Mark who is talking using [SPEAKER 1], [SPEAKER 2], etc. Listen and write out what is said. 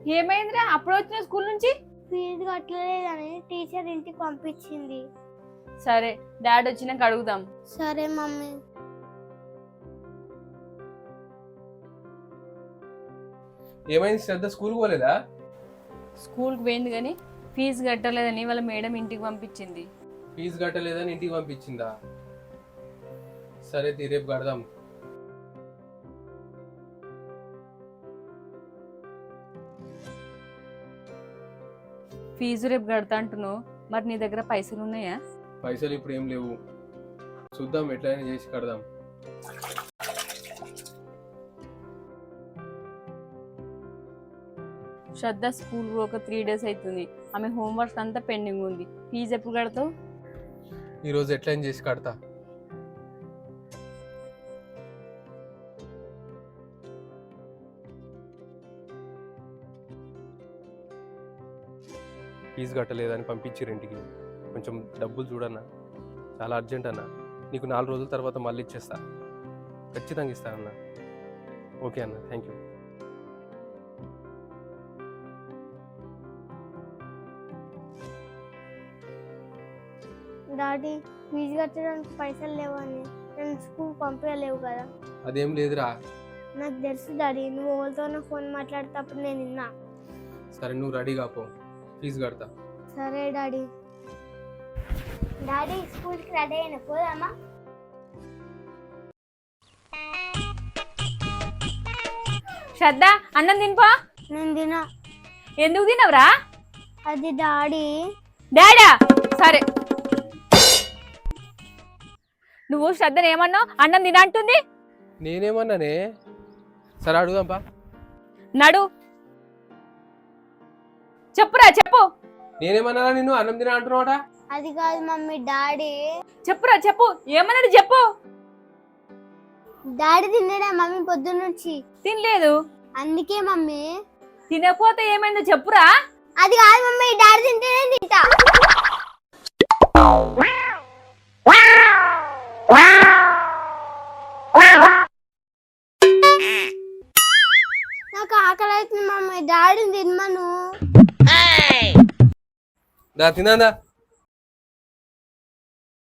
[SPEAKER 1] ఏమైందిరా అప్పుడు వచ్చిన స్కూల్ నుంచి?
[SPEAKER 2] ఫీజు కట్టలేదని టీచర్ ఇంటికి పంపించింది.
[SPEAKER 1] సరే డాడీ వచ్చినాక అడుగుదాం.
[SPEAKER 2] సరే మమ్మీ.
[SPEAKER 3] ఏమైంది శ్రద్ధ స్కూల్కి పోలేదా?
[SPEAKER 1] స్కూల్కి పోయింది కానీ ఫీజు కట్టలేదని వాళ్ళ మేడం ఇంటికి పంపించింది.
[SPEAKER 3] ఫీజు కట్టలేదని ఇంటికి పంపించిందా? సరే రేపు కడదాం.
[SPEAKER 1] ఫీజు రేపు కడతా అంటున్నావు, మరి నీ దగ్గర పైసలు ఉన్నాయా?
[SPEAKER 3] పైసలు ఇప్పుడు ఏం లేవు, చూద్దాం ఎట్లయినా చేసి కడదాం.
[SPEAKER 1] శ్రద్ధ స్కూల్ ఒక 3 days అవుతుంది. ఆమె హోంవర్క్ అంతా పెండింగ్ ఉంది. ఫీజు ఎప్పుడు కడతావు?
[SPEAKER 3] ఈరోజు ఎట్లయినా చేసి కడతా. ఫీజు కట్టలేదని పంపించారు ఇంటికి. కొంచెం డబ్బులు చూడన్నా, చాలా అర్జెంట్ అన్న. నీకు 4 రోజుల తర్వాత మళ్ళీ ఇచ్చేస్తా, ఖచ్చితంగా ఇస్తా అన్న. ఓకే అన్న, థ్యాంక్ యూ.
[SPEAKER 2] డాడీ ఫీజు కట్టడానికి పైసలు లేవని నన్ను స్కూల్ పంపించలేవు కదా.
[SPEAKER 3] అదేం లేదురా.
[SPEAKER 2] నాకు తెలుసు డాడీ, నువ్వు ఎవరితోనో ఫోన్ మాట్లాడేటప్పుడు నేను విన్నా.
[SPEAKER 3] సరే నువ్వు రెడీగా పో, ఫీజు కడతా.
[SPEAKER 2] సరే డాడీ. డాడీ స్కూల్కి రెడీ అయిన పోదామా?
[SPEAKER 1] శ్రద్ధ అన్నం తినిపో.
[SPEAKER 2] నేను తినా.
[SPEAKER 1] ఎందుకు తినవురా?
[SPEAKER 2] అది డాడీ.
[SPEAKER 1] డాడా? సరే నువ్వు శ్రద్ధను ఏమన్నావు? అన్నం తిన అంటుంది.
[SPEAKER 3] నేనేమన్నానే? సరే అడుగుదాంపా.
[SPEAKER 1] నడు, చెప్పురా చెప్పు.
[SPEAKER 3] నేనేమన్నా నిన్ను అన్నం తిన అంటున్నావాట?
[SPEAKER 2] అది కాదు మమ్మీ, డాడీ.
[SPEAKER 1] చెప్పురా చెప్పు, ఏమన్నాడు చెప్పు.
[SPEAKER 2] డాడీ తిన్నాడా మమ్మీ పొద్దున్న నుంచి?
[SPEAKER 1] తినలేదు.
[SPEAKER 2] అందుకే మమ్మీ.
[SPEAKER 1] తినకపోతే ఏమైందో చెప్పురా.
[SPEAKER 2] అది కాదు మమ్మీ, డాడీ తింటేనే తింటా. నాకు ఆకలి అవుతుంది మమ్మీ, డాడీని తినమను.
[SPEAKER 3] తిన్నా